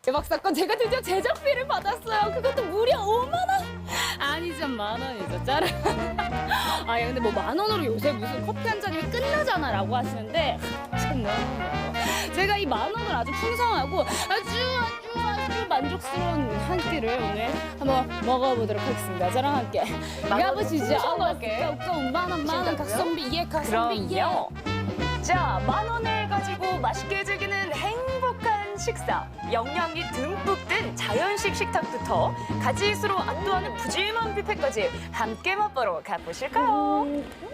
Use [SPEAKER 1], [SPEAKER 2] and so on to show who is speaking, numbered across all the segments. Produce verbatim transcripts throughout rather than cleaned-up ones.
[SPEAKER 1] 대박 사건, 제가 드디어 제작비를 받았어요. 그것도 무려 오만 원. 아니죠, 만 원이죠. 짜란. 아, 야, 근데 뭐 만 원으로 요새 무슨 커피 한 잔이면 끝나잖아라고 하시는데 참 너무 제가 이 만 원을 아주 풍성하고 아주 아주 아주 만족스러운 한 끼를 오늘 한번 먹어보도록 하겠습니다. 저랑 함께 가보시죠.
[SPEAKER 2] 풍성하게.
[SPEAKER 1] 만 원, 만 원, 각성비, 예, 각성비, 예.
[SPEAKER 2] 그럼요. 자, 만 원을 가지고 맛있게 즐기는 행복한 식사. 영양이 듬뿍 든 자연식 식탁부터 가지수로 압도하는 푸짐한 뷔페까지 함께 맛보러 가보실까요?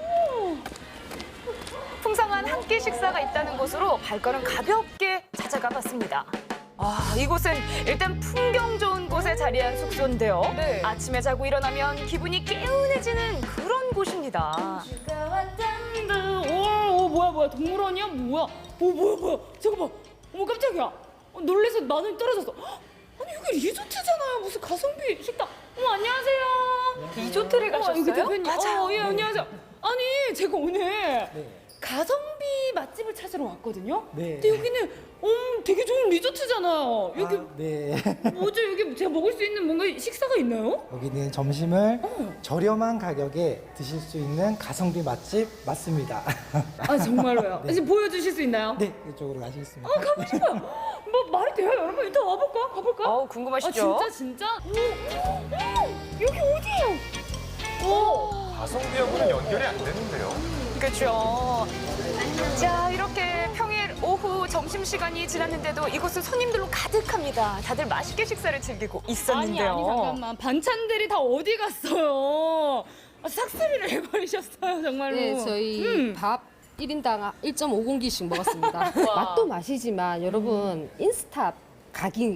[SPEAKER 2] 풍성한 한 끼 식사가 있다는 곳으로 발걸음 가볍게 찾아가 봤습니다. 아, 이곳은 일단 풍경 좋은 곳에 자리한 숙소인데요.
[SPEAKER 1] 네.
[SPEAKER 2] 아침에 자고 일어나면 기분이 개운해지는 그런 곳입니다.
[SPEAKER 1] 오, 오, 뭐야, 뭐야, 동물원이야? 뭐야? 오, 뭐야, 뭐야? 잠깐만. 어머, 깜짝이야. 어, 놀래서 마늘이 떨어졌어. 헉, 아니, 여기 리조트잖아요. 무슨 가성비 식당. 어머, 안녕하세요.
[SPEAKER 2] 리조트를
[SPEAKER 1] 어,
[SPEAKER 2] 가셨어요?
[SPEAKER 1] 여기 대표님.
[SPEAKER 2] 맞아요.
[SPEAKER 1] 어, 예, 안녕하세요. 아니, 제가 오늘
[SPEAKER 3] 네.
[SPEAKER 1] 가성비 맛집을 찾으러 왔거든요.
[SPEAKER 3] 네.
[SPEAKER 1] 근데 여기는 음, 되게 좋은 리조트잖아요. 여기
[SPEAKER 3] 아, 네.
[SPEAKER 1] 뭐죠? 여기 제가 먹을 수 있는 뭔가 식사가 있나요?
[SPEAKER 3] 여기는 점심을
[SPEAKER 1] 어.
[SPEAKER 3] 저렴한 가격에 드실 수 있는 가성비 맛집 맞습니다.
[SPEAKER 1] 아, 정말로요?
[SPEAKER 3] 네.
[SPEAKER 1] 이제 보여주실 수 있나요?
[SPEAKER 3] 네, 이쪽으로 가시겠습니다.
[SPEAKER 1] 아, 가고 싶어요. 뭐 말이 돼요, 여러분? 일단 와볼까? 가볼까?
[SPEAKER 2] 어,
[SPEAKER 1] 아,
[SPEAKER 2] 궁금하시죠?
[SPEAKER 1] 진짜 진짜? 오, 오, 오, 여기 어디예요? 오,
[SPEAKER 4] 가성비하고는 연결이 안 되는데요.
[SPEAKER 2] 그렇죠. 자, 이렇게 평일 오후 점심시간이 지났는데도 이곳은 손님들로 가득합니다. 다들 맛있게 식사를 즐기고
[SPEAKER 1] 아니
[SPEAKER 2] 있었는데요.
[SPEAKER 1] 아니 잠깐만, 반찬들이 다 어디 갔어요? 아, 삭스리를 해버리셨어요, 정말로.
[SPEAKER 5] 네, 저희
[SPEAKER 1] 음.
[SPEAKER 5] 밥 일 인당 일 점 오 공기씩 먹었습니다. 맛도 맛이지만 여러분 인스타 각이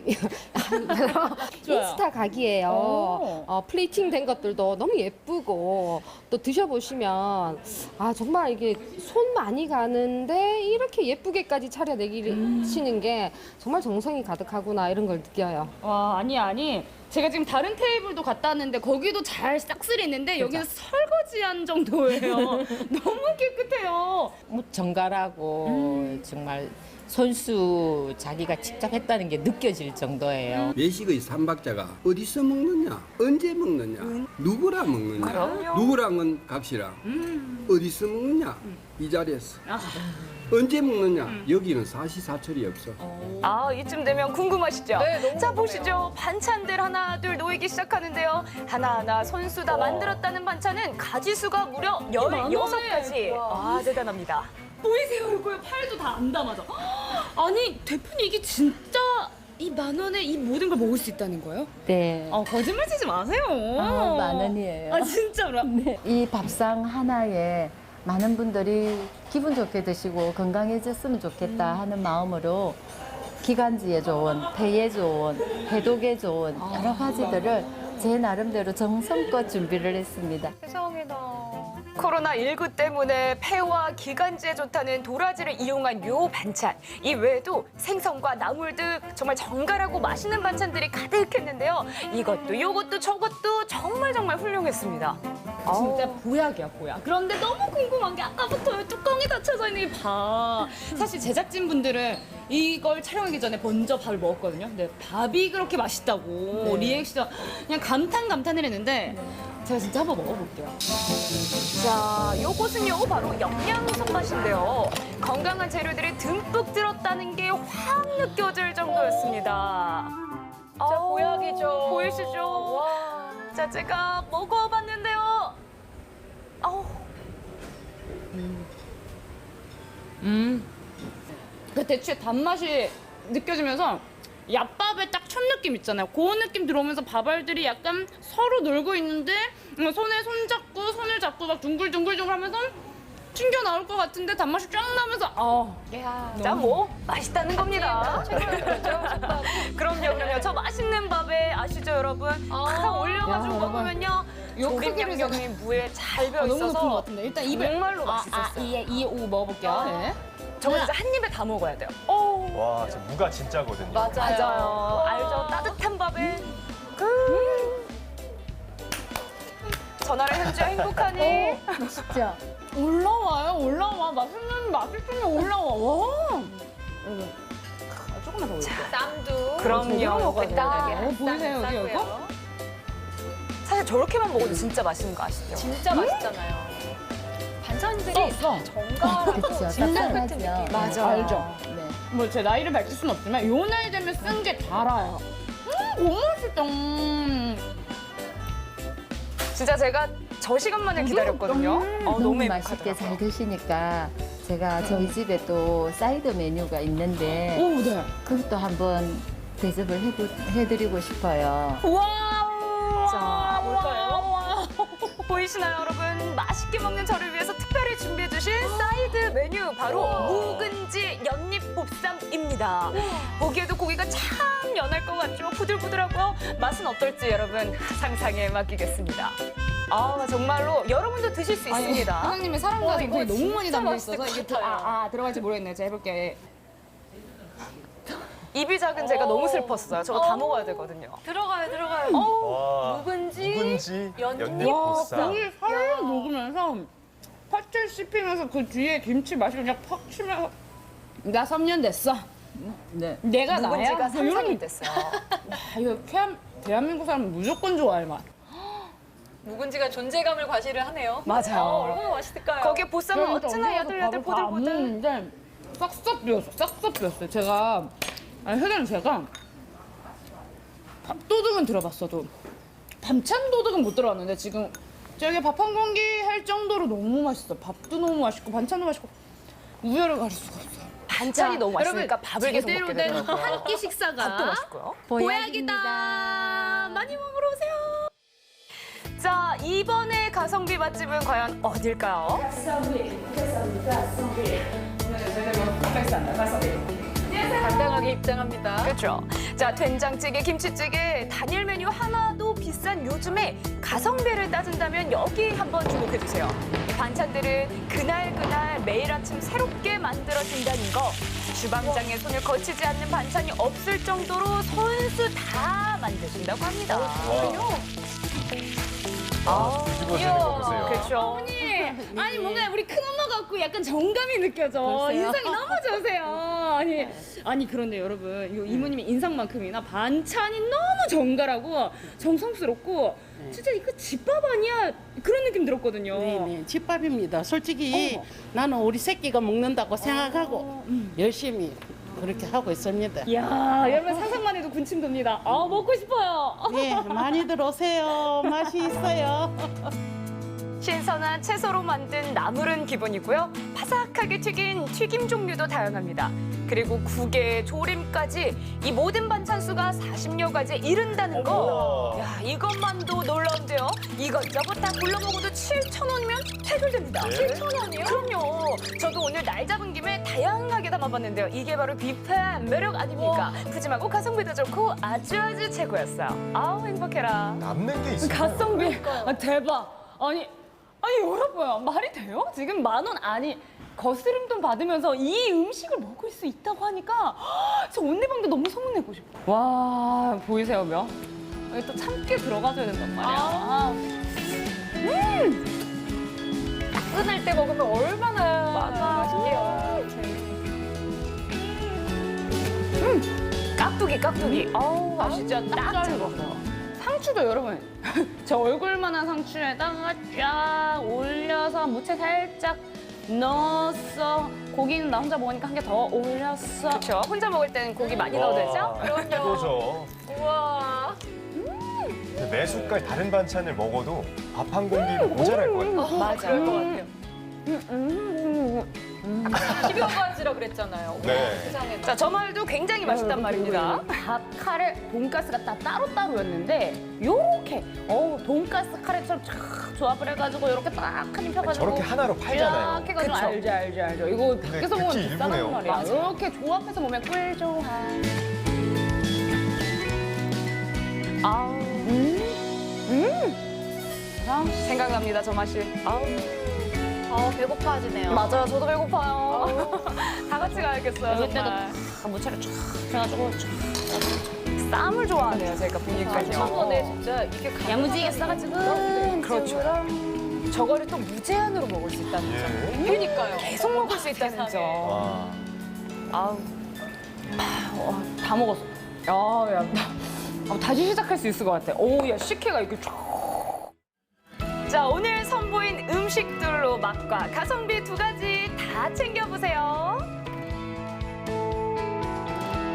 [SPEAKER 5] 인스타 각이에요.
[SPEAKER 1] 오.
[SPEAKER 5] 어, 플레이팅 된 것들도 너무 예쁘고 또 드셔보시면 아 정말 이게 손 많이 가는데 이렇게 예쁘게까지 차려내기시는 게 정말 정성이 가득하구나 이런 걸 느껴요.
[SPEAKER 1] 와, 아니 아니. 제가 지금 다른 테이블도 갔다 왔는데 거기도 잘 싹쓸이 있는데 여기는 설거지한 정도예요. 너무 깨끗해요.
[SPEAKER 6] 뭐 정갈하고
[SPEAKER 1] 음.
[SPEAKER 6] 정말 손수 자기가 직접 했다는 게 느껴질 정도예요.
[SPEAKER 7] 외식의 삼박자가 어디서 먹느냐, 언제 먹느냐, 누구랑 먹느냐,
[SPEAKER 2] 그럼요.
[SPEAKER 7] 누구랑은 각시랑, 어디서 먹느냐, 이 자리에서.
[SPEAKER 1] 아.
[SPEAKER 7] 언제 먹느냐, 여기는 사시사철이 없어.
[SPEAKER 2] 아, 이쯤 되면 궁금하시죠?
[SPEAKER 1] 네, 너무
[SPEAKER 2] 자,
[SPEAKER 1] 궁금해요.
[SPEAKER 2] 보시죠. 반찬들 하나, 둘 놓이기 시작하는데요. 하나하나 손수 다 만들었다는 반찬은 가지수가 무려 열여섯 가지. 아, 대단합니다.
[SPEAKER 1] 보이세요? 이거 팔도 다 안 담아져. 아니, 대표님 이게 진짜 이 만 원에 이 모든 걸 먹을 수 있다는 거예요?
[SPEAKER 6] 네.
[SPEAKER 1] 아, 거짓말 치지 마세요.
[SPEAKER 6] 아, 만 원이에요.
[SPEAKER 1] 아, 진짜로?
[SPEAKER 6] 네. 이 밥상 하나에 많은 분들이 기분 좋게 드시고 건강해졌으면 좋겠다 하는 마음으로 기관지에 좋은, 폐에 좋은, 해독에 좋은 여러 가지들을 제 나름대로 정성껏 준비를 했습니다.
[SPEAKER 2] 세상에나. 코로나 일구 때문에 폐와 기관지에 좋다는 도라지를 이용한 요 반찬. 이 외에도 생선과 나물 등 정말 정갈하고 맛있는 반찬들이 가득했는데요. 이것도 요것도 저것도 정말 정말 훌륭했습니다.
[SPEAKER 1] 진짜 보약이야, 보약. 그런데 너무 궁금한 게 아까부터 이 뚜껑이 닫혀져 있는 이 밥. 사실 제작진분들은 이걸 촬영하기 전에 먼저 밥을 먹었거든요. 근데 밥이 그렇게 맛있다고 리액션 그냥 감탄 감탄을 했는데 제가 진짜 한번 먹어볼게요.
[SPEAKER 2] 자, 요것은요 바로 영양 손맛인데요. 건강한 재료들이 듬뿍 들었다는 게 확 느껴질 정도였습니다. 자, 보약이죠. 보이시죠? 자, 제가 먹어봤는데요. 아우.
[SPEAKER 1] 음. 그 대추의 단맛이 느껴지면서 얍밥의 딱 첫 느낌 있잖아요. 그 느낌 들어오면서 밥알들이 약간 서로 놀고 있는데 손에 손 잡고 손을 잡고 막 둥글둥글둥글 하면서 튕겨 나올 것 같은데 단맛이 쫙 나면서 아,
[SPEAKER 2] 야, 자, 뭐 맛있다는 겁니다. 그럼요, 그럼요. 저 맛있는 밥에 아시죠, 여러분? 탁 올려가지고
[SPEAKER 1] 야,
[SPEAKER 2] 먹으면요.
[SPEAKER 1] 요
[SPEAKER 2] 조림
[SPEAKER 1] 크기를
[SPEAKER 2] 양념이 무에 잘 배어
[SPEAKER 1] 아, 너무 높은 것
[SPEAKER 2] 있어서
[SPEAKER 1] 같은데 일단 입에
[SPEAKER 2] 정말로
[SPEAKER 1] 아, 아,
[SPEAKER 2] 맛있었어요.
[SPEAKER 1] 이에 이에 오 먹어볼게요. 네.
[SPEAKER 2] 저거 진짜 한 입에 다 먹어야 돼요. 오,
[SPEAKER 4] 와, 저 무가 진짜거든요.
[SPEAKER 2] 맞아요. 알죠? 따뜻한 밥에. 음. 전화를 현주야 행복하니?
[SPEAKER 6] 진짜.
[SPEAKER 1] 올라와요, 올라와. 맛있는 맛있으면 올라와. 와. 조금만 더 올릴게요.
[SPEAKER 2] 쌈도. 그럼요.
[SPEAKER 1] 먹어야
[SPEAKER 2] 딱
[SPEAKER 1] 어, 보이세요, 여기 이거?
[SPEAKER 2] 사실 저렇게만 먹어도 진짜 맛있는 거 아시죠?
[SPEAKER 8] 진짜 맛있잖아요. 반찬들이
[SPEAKER 1] 써, 써.
[SPEAKER 8] 정갈하고
[SPEAKER 6] 그쵸,
[SPEAKER 8] 진짜
[SPEAKER 6] 따뜻하죠.
[SPEAKER 8] 같은 느낌.
[SPEAKER 2] 맞아.
[SPEAKER 1] 알죠?
[SPEAKER 6] 네.
[SPEAKER 1] 뭐 제 나이를 밝힐 수는 없지만 요 나이 되면 쓴 게 달아요. 음, 너무 맛있다. 음.
[SPEAKER 2] 진짜 제가 저 시간만을 기다렸거든요. 어, 너무
[SPEAKER 6] 너무 맛있게
[SPEAKER 2] 행복하더라고요.
[SPEAKER 6] 잘 드시니까 제가 저희 집에 또 사이드 메뉴가 있는데
[SPEAKER 1] 오, 네.
[SPEAKER 6] 그것도 한번 대접을 해보, 해드리고 싶어요.
[SPEAKER 1] 와,
[SPEAKER 2] 자, 뭘까요?
[SPEAKER 1] 와.
[SPEAKER 2] 보이시나요, 여러분? 맛있게 먹는 저를 위해서 특별히 준비해주신 사이드 메뉴 바로 묵은지 연잎보쌈입니다. 보기에도 고기가 참 연할 것 같죠? 부들부들하고요. 맛은 어떨지 여러분 상상에 맡기겠습니다. 아 정말로 여러분도 드실 수 있습니다.
[SPEAKER 1] 사장님의 사랑과
[SPEAKER 2] 와,
[SPEAKER 1] 정성이
[SPEAKER 2] 이거
[SPEAKER 1] 너무 많이
[SPEAKER 2] 진짜
[SPEAKER 1] 담겨
[SPEAKER 2] 맛있을
[SPEAKER 1] 있어서
[SPEAKER 2] 것
[SPEAKER 1] 이게 또,
[SPEAKER 2] 같아요.
[SPEAKER 1] 아, 아, 들어갈지 모르겠네요. 제가 해볼게요.
[SPEAKER 2] 입이 작은 제가 너무 슬펐어요. 저거 다 먹어야 되거든요.
[SPEAKER 8] 들어가요, 들어가요.
[SPEAKER 4] 와,
[SPEAKER 2] 묵은지,
[SPEAKER 4] 묵은지
[SPEAKER 2] 연잎
[SPEAKER 4] 연잎보쌈.
[SPEAKER 1] 고기 살짝 녹으면서 팥을 씹히면서 그 뒤에 김치 맛이 그냥 팍 치면서 나 삼 년 됐어.
[SPEAKER 6] 네.
[SPEAKER 1] 내가 나야?
[SPEAKER 2] 묵은지가
[SPEAKER 1] 뭐 이런
[SPEAKER 2] 상상이 됐어요.
[SPEAKER 1] 아, 이거 대한, 대한민국 사람은 무조건 좋아할 맛.
[SPEAKER 8] 묵은지가 존재감을 과시를 하네요.
[SPEAKER 2] 맞아요.
[SPEAKER 8] 어, 얼마나 맛있을까요?
[SPEAKER 2] 거기에 보쌈은 어찌나 야들야들 보들보들.
[SPEAKER 1] 먹는데 싹싹 비었어. 싹싹 비었어요. 제가 아니 회장님 제가 밥도둑은 들어봤어도 반찬 도둑은 못 들어봤는데 지금 저기 밥 한 공기 할 정도로 너무 맛있어. 밥도 너무 맛있고 반찬도 맛있고 우열을 가릴 수가 없어요.
[SPEAKER 2] 반찬이 너무 맛있으니까 밥을 계속 먹게
[SPEAKER 1] 제대로 된
[SPEAKER 2] 되더라고요.
[SPEAKER 1] 한 끼 식사가
[SPEAKER 2] 밥도 맛있고요.
[SPEAKER 6] 보약이다.
[SPEAKER 2] 많이 먹으러 오세요. 자, 이번에 가성비 맛집은 과연 어딜까요?
[SPEAKER 8] 당당하게 입장합니다.
[SPEAKER 2] 그렇죠. 자, 된장찌개, 김치찌개, 단일 메뉴 하나도 비싼 요즘에 가성비를 따진다면 여기 한번 주목해 주세요. 이 반찬들은 그날 그날 매일 아침 새롭게 만들어진다는 거. 주방장의 손을 거치지 않는 반찬이 없을 정도로 손수 다 만드신다고 합니다.
[SPEAKER 4] 아, 뒤집어지는 거 보세요.
[SPEAKER 2] 그렇죠.
[SPEAKER 1] 아니 뭔가 우리 큰엄마 같고 약간 정감이 느껴져. 인상이 너무 좋으세요. 아니 아니 그런데 여러분 이 이모님의 인상만큼이나 반찬이 너무 정갈하고 정성스럽고 진짜 이거 집밥 아니야 그런 느낌 들었거든요.
[SPEAKER 9] 네네, 집밥입니다. 솔직히 나는 우리 새끼가 먹는다고 생각하고 열심히 그렇게 하고 있습니다.
[SPEAKER 1] 이야 여러분 상상만 해도 군침 돕니다. 아 먹고 싶어요.
[SPEAKER 9] 네, 많이들 오세요. 맛이 있어요.
[SPEAKER 2] 신선한 채소로 만든 나물은 기본이고요. 바삭하게 튀긴 튀김 종류도 다양합니다. 그리고 국에 조림까지 이 모든 반찬 수가 사십여 가지에 이른다는 거.
[SPEAKER 4] 어머.
[SPEAKER 2] 야, 이것만도 놀라운데요. 이것저것 다 골라 먹어도 칠천 원이면 해결됩니다.
[SPEAKER 4] 네?
[SPEAKER 2] 칠천 원이요? 그럼요. 저도 오늘 날 잡은 김에 다양하게 담아봤는데요. 이게 바로 뷔페의 매력 아닙니까? 푸짐하고 가성비도 좋고 아주 아주 최고였어요. 아우 행복해라.
[SPEAKER 4] 남는 게 있어요.
[SPEAKER 1] 가성비 아, 대박. 아니 아니 여러분 말이 돼요? 지금 만 원 아니 거스름돈 받으면서 이 음식을 먹을 수 있다고 하니까 헉, 저 온리방도 너무 소문내고 싶어. 와 보이세요 며? 여기 또 참깨 들어가줘야 된단 말이야. 아. 음.
[SPEAKER 2] 따끈할 때 먹으면 얼마나 맛있게요. 음, 깍두기 깍두기. 어우 아시죠? 딱 잡았어요.
[SPEAKER 1] 상추도 여러분 저 얼굴만한 상추에다가 쫙 올려서 무채 살짝 넣었어. 고기는 나 혼자 먹으니까 한 개 더 올렸어.
[SPEAKER 2] 그렇죠. 혼자 먹을 때는 고기 많이 넣어도 되죠? 그럼요.
[SPEAKER 4] 그거죠.
[SPEAKER 2] 우와.
[SPEAKER 4] 근데 매 숟갈 다른 반찬을 먹어도 밥 한 공기도 모자랄 것 같아요.
[SPEAKER 2] 맞아.
[SPEAKER 8] 그럴 것 같아요. 십여 가지라 그랬잖아요.
[SPEAKER 4] 네.
[SPEAKER 8] 세상에.
[SPEAKER 2] 자, 저 말도 굉장히 맛있단 말입니다.
[SPEAKER 1] 밥 카레 돈가스가 다 따로따로였는데 요렇게 어 돈가스 카레처럼 쫙 조합을 해가지고 요렇게 딱 한 입 펴가지고
[SPEAKER 4] 저렇게 하나로 팔잖아요.
[SPEAKER 1] 쫙 해가지고
[SPEAKER 2] 그쵸.
[SPEAKER 1] 알죠 알죠 알죠. 이거 밖에서 먹으면
[SPEAKER 4] 극히
[SPEAKER 1] 비싸단
[SPEAKER 4] 일부네요.
[SPEAKER 1] 말이야.
[SPEAKER 2] 맞아.
[SPEAKER 1] 이렇게 조합해서 먹으면 꿀조합.
[SPEAKER 2] 아우.
[SPEAKER 1] 음.
[SPEAKER 2] 생각납니다, 저 맛이. 아우.
[SPEAKER 8] 어, 배고파지네요.
[SPEAKER 2] 맞아요, 저도 배고파요. 다 같이 가야겠어요,
[SPEAKER 1] 여기 때도
[SPEAKER 2] 정말.
[SPEAKER 1] 다 무채를 쫙 해가지고 쫙
[SPEAKER 2] 쌈을 좋아하네요, 제가 보니까요.
[SPEAKER 8] 한번에 진짜 이게 가능하다는
[SPEAKER 1] 야무지게 싸가지고
[SPEAKER 2] 그렇죠. 저거를 또 무제한으로 먹을 수 있다는 점.
[SPEAKER 4] 예.
[SPEAKER 8] 그러니까요.
[SPEAKER 2] 계속 먹을 수 있다는
[SPEAKER 8] 세상에.
[SPEAKER 2] 점.
[SPEAKER 4] 와.
[SPEAKER 2] 아우. 어, 다 먹었어. 아, 야, 나, 어, 다시 시작할 수 있을 것 같아. 오, 야, 식혜가 이렇게 쫙. 자, 오늘 선보인 음식들로 맛과 가성비 두 가지 다 챙겨보세요.